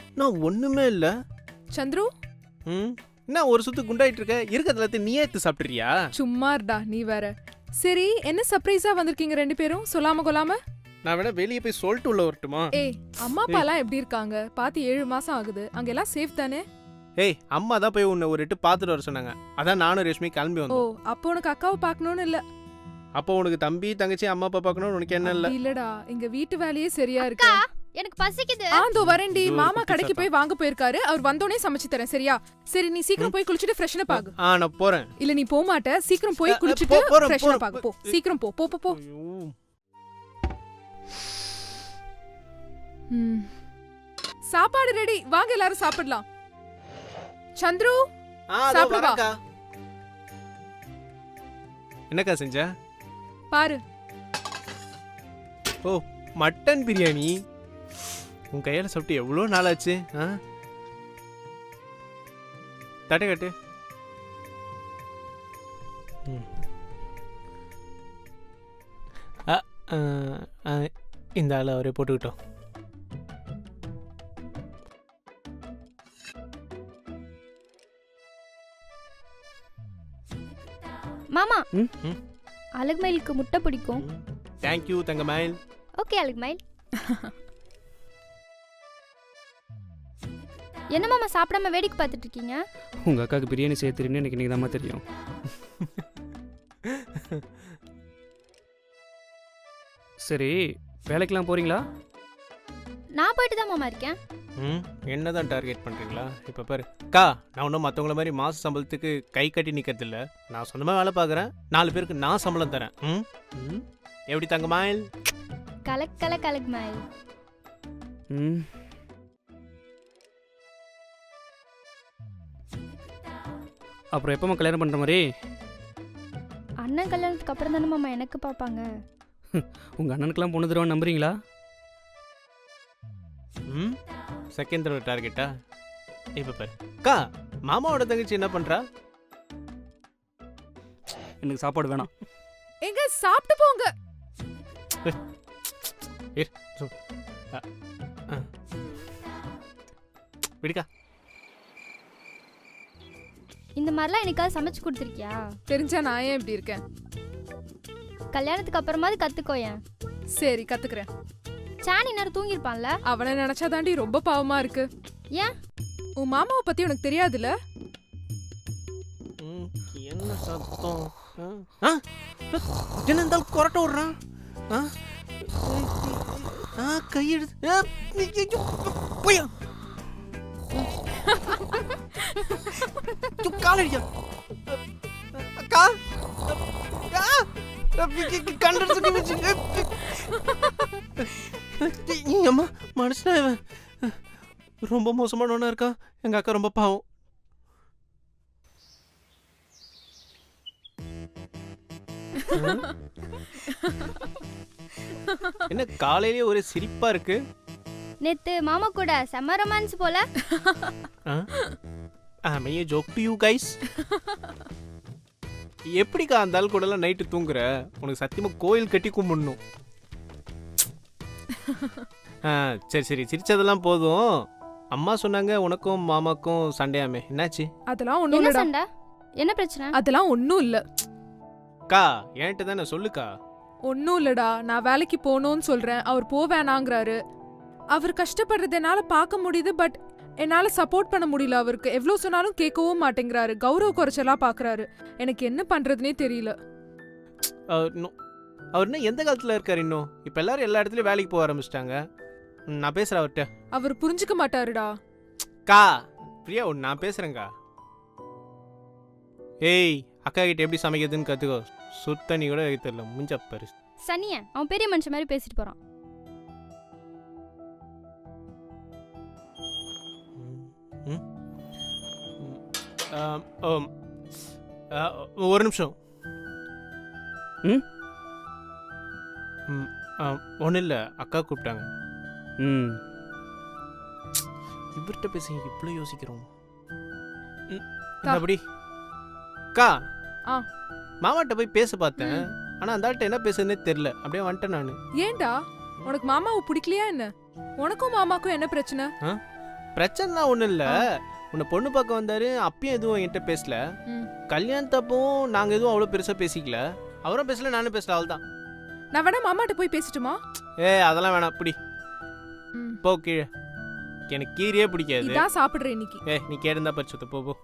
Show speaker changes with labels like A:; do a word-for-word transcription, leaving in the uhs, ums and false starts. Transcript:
A: நான் ஒண்ணுமே இல்ல.
B: சந்துரு
A: ம் என்ன ஒரு சுத்து குண்டாயிட்டு இருக்க? இருக்கிறதுல எல்லாத்தையும் நீயே எடுத்து சாப்பிட்றியா?
B: சும்மா இருடா நீ வேற. சரி என்ன சர்ப்ரைஸா வந்திருக்கீங்க ரெண்டு பேரும் சொல்லாம கொள்ளாம?
A: நான் வேணா வெளியே போய் சொல்லிட்டு உள்ள வரட்டுமா?
B: ஏய் அம்மா அப்பா எல்லாம் எப்படி இருக்காங்க? பாத்து ஏழு மாசம் ஆகுது. அங்க எல்லாம் சேஃப் தானே?
A: ஏய் அம்மா தான் போய் உன்னை ஒரு எட்டு பார்த்துட்டு வர சொன்னாங்க. அதான் நானும் ரேஷ்மி கிளம்பி
B: ஓ
A: வந்தோம்.
B: அப்போ உனக்கு அக்காவை பார்க்கணும்னு இல்ல?
A: அப்போ உனக்கு தம்பி தங்கச்சி அம்மா அப்பா பார்க்கணும்னு உனக்கு என்ன இல்ல?
B: இல்லடா இங்க வீட்டு வேலையே சரியா இருக்கு.
C: எனக்கு பசிக்குது.
B: ஆந்தோ வரேன்டி.
A: இதோ
B: மாமா
A: குட்டி
B: கடைக்கு
A: சத்தம்.
B: போய் வாங்க போயிருக்காரு. அவர் வந்தோனே சமைச்சு தரேன் சரியா? சரி நீ சீக்கிரம் போய் குளிச்சிட்டு ஃப்ரெஷ்னா பாகு.
A: ஆ நான் போறேன்.
B: இல்ல நீ போக மாட்ட. சீக்கிரம் போய்
A: அ, அ,
B: குளிச்சிட்டு
A: போ- போறேன்,
B: ஃப்ரெஷ்னா
A: போறேன்.
B: பாகு. போ சீக்கிரம் போ போ போ போ.
A: ஐயோ.
B: ம். சாப்பாடு ரெடி. வாங்க எல்லாரும் சாப்பிடலாம். சந்துரு
A: ஆ, அதோ
B: சாப்பிடு வா.
A: வரேன்க்கா. என்னக்கா செஞ்ச?
B: பாரு.
A: ஓ மட்டன் பிரியாணி. உன் கையால சாப்பிட்டு எவ்வளோ நாள் ஆச்சு? ஆ தட்டை கட்டு. ம். அ, ஆ, ஆ, இந்த ஆள் அவரே போட்டுக்கிட்டோம்.
C: மாமா
D: ம்?
A: ம்?
C: அழகுமயிலுக்கு முட்டை பிடிக்கும்.
A: தேங்க்யூ தங்கமயில்.
C: ஓகே அழகுமயில். என்ன மாமா சாப்பிடாம வேடிக்கை பார்த்துட்டு இருக்கீங்க?
D: உங்கள் அக்காவுக்கு பிரியாணி செய்ய தெரியும்னு எனக்கு இன்றைக்கி தான் தெரியும். சரி வேலைக்கெலாம் போகிறீங்களா?
C: நான் போயிட்டு தான் மாமா இருக்கேன்.
A: ம் என்ன தான் டார்கெட் பண்ணுறீங்களா? இப்போ பாரு அக்கா, நான் ஒன்றும் மற்றவங்கள மாதிரி மாத சம்பளத்துக்கு கை கட்டி நிற்கிறது இல்லை. நான் சொந்தமாக வேலை பார்க்குறேன். நாலு பேருக்கு நான் சம்பளம் தரேன். ம் ம் எப்படி தங்கமயில்?
C: கலக்கல கலகுமயில்.
D: ம் அப்புறம் எப்போம்மா கல்யாணம் பண்ணுற மாதிரி?
C: அண்ணன் கல்யாணத்துக்கு அப்புறம் தானே மாமா எனக்கு பார்ப்பாங்க.
D: உங்கள் அண்ணனுக்கெல்லாம் பொண்ணு தருவான்னு நம்புறீங்களா?
A: ம் செகண்ட் தடவை டார்கெட்டா? இப்போ பாரு அக்கா, மாமாவோட தங்கச்சி என்ன பண்ணுறா?
D: எனக்கு சாப்பாடு வேணாம்.
B: எங்க சாப்பிட்டு போங்க.
A: விடுக்கா.
C: இந்த மாதிரிலாம் எனக்காவது சமைச்சு கொடுத்துருக்கியா?
B: தெரிஞ்சா நான் ஏன் இப்படி இருக்கேன்?
C: கல்யாணத்துக்கு அப்புறமாவது கத்துக்கோயேன்.
B: சரி கத்துக்கிறேன்.
C: சாணி நேரம் தூங்கிருப்பான்ல.
B: அவனை நினைச்சா தாண்டி ரொம்ப பாவமா இருக்கு.
C: ஏன்?
B: உன் மாமாவை பத்தி உனக்கு தெரியாதுல்ல?
A: ம், என்ன சத்தம்? ஆ? ஆ? என்ன இருந்தாலும் கொரட்டை விடுறான்? ஆ? ஆ, கையெடுத்து ஆ, ஐயோ, போய்யா. ஐயோ, காலடியா. அக்கா ஆ, கண்டடிச்சு வச்சு. அம்மா மனுஷனா இவன் ரொம்ப மோசமானவனா இருக்கா. எங்க அக்கா ரொம்ப பாவம். என்ன காலையிலேயே ஒரே சிரிப்பா இருக்கு?
C: நேத்து மாமா கூட செம்ம ரொமான்ஸ் போல.
A: ஆமே ஜோக் டு யூ கைஸ். எப்படிக்கா அந்த ஆள் கூட எல்லாம் நைட்டு தூங்குற? உனக்கு சத்தியமா கோயில் கட்டி கும்பிடணும். ஆ சரி சரி சிரிச்சதெல்லாம் போதும். அம்மா சொன்னாங்க உனக்கும் மாமாக்கும் சண்டையாமே, என்னாச்சு?
B: அதெல்லாம் ஒண்ணும்
C: என்ன
B: இல்லடா.
C: சண்டை? என்ன பிரச்சனை?
B: அதெல்லாம் ஒண்ணும் இல்ல.
A: அக்கா என்கிட்ட தானே சொல்லுக்கா.
B: ஒன்னும் இல்லடா. நான் வேலைக்கு போகணும்னு சொல்றேன். அவர் போவேணாங்கிறாரு. அவர் கஷ்டப்படுறது என்னால பார்க்க முடியுது. பட் என்னால சப்போர்ட் பண்ண முடியல. அவருக்கு எவ்வளவு சொன்னாலும் கேட்கவும் மாட்டேங்கிறாரு. கௌரவ குறைச்சலா பாக்குறாரு. எனக்கு என்ன பண்றதுனே தெரியல.
A: அவர் இன்னும் அவர் இன்னும் எந்த காலத்துல இருக்காரு? இன்னும் இப்ப எல்லாரும் எல்லா இடத்துலயும் வேலைக்கு போக ஆரம்பிச்சிட்டாங்க. நான் பேசுறேன் அவர்கிட்ட.
B: அவர் புரிஞ்சுக்க மாட்டாருடா.
A: கா பிரியா, ஒன்று நான் பேசுறேங்க்கா. ஏய் அக்கா கிட்ட எப்படி சமைக்கிறதுன்னு கத்துக்கோ. சுத்தண்ணி கூட வைக்க தெரியல. முஞ்ச பாரு.
C: சனிய அவன் பெரிய மனுஷன் மாதிரி பேசிட்டு போறான்.
A: ம், ம், ஆம், ஆம். ஆ, ஒரு நிமிஷம்.
D: ம்
A: ம் ஒன்றும் இல்லை, அக்கா கூப்பிட்டாங்க.
D: ம்
A: இவர்கிட்ட பேசுங்க, இவ்வளோ யோசிக்கிறோம். ம்,
B: தா.
A: அப்படி அக்கா
B: ஆ.
A: மாமாட்ட போய் பேச பார்த்தேன். ஆனால் அந்த ஆள்கிட்ட என்ன பேசுறதுனே தெரில. அப்படியே வந்துட்டேன் நான்.
B: ஏன்டா உனக்கு மாமாவை பிடிக்கலையா என்ன? உனக்கும் மாமாக்கும் என்ன பிரச்சனை?
A: பிரச்சனைலாம் ஒன்றும் இல்லை. உன்னை பொண்ணு பார்க்க வந்தாரு, அப்பயும் எதுவும் என்கிட்ட பேசல.
B: ம்.
A: கல்யாணத்தப்பவும் நாங்கள் எதுவும் அவ்வளோ பெருசாக பேசிக்கல. அவரும் பேசல, நானும் பேசல, அவள் தான்.
B: நான் வேணா மாமாட்ட போய் பேசட்டுமா?
A: ஏ அதெல்லாம் வேணாம், பிடி
B: ம்.
A: போ கீழே. எனக்கு கீரையே பிடிக்காது.
B: இதான் சாப்பிடுறேன் இன்னைக்கு.
A: ஏ நீ கேட்டிருந்தா பரிசுத்த போ போ.